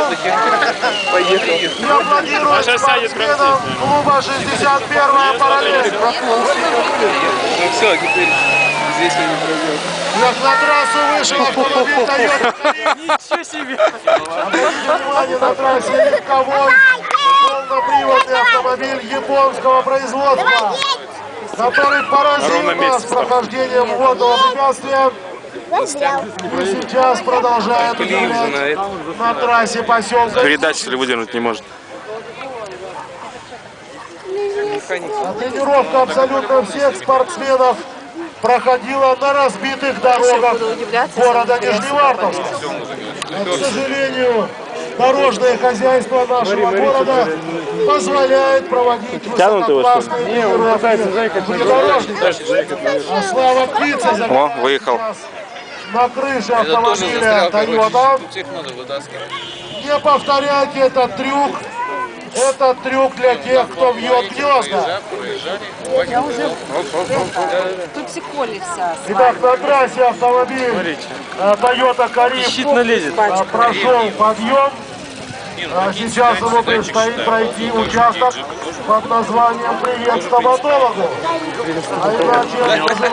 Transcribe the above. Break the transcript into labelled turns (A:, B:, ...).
A: Поехал.
B: Я аплодирую спортсменам клуба 61-я параллель.
A: Ну все, теперь здесь он не пройдет.
B: Как на трассу вышел автомобиль Toyota Caribe.
A: Ничего себе!
B: Обратите внимание, на трассе легковой полноприводный автомобиль японского производства, который поразил нас прохождением водного препятствия. И сейчас продолжает удивлять на трассе поселка.
C: Передачи, если выдернуть не может.
B: А тренировка абсолютно всех спортсменов проходила на разбитых дорогах города Нижневартовска. К сожалению, дорожное хозяйство нашего города позволяет проводить высококлассные тренировки внедорожников. А Слава Птица
C: выехал.
B: на крыше автомобиля Toyota. Не повторяйте этот трюк. Это трюк для тех, кто вьет гнезда.
D: Токсиколи вся.
B: Итак, на трассе автомобиль Toyota Caribe прошел подъем. Сейчас ему предстоит пройти участок под названием «Привет стоматологу». А иначе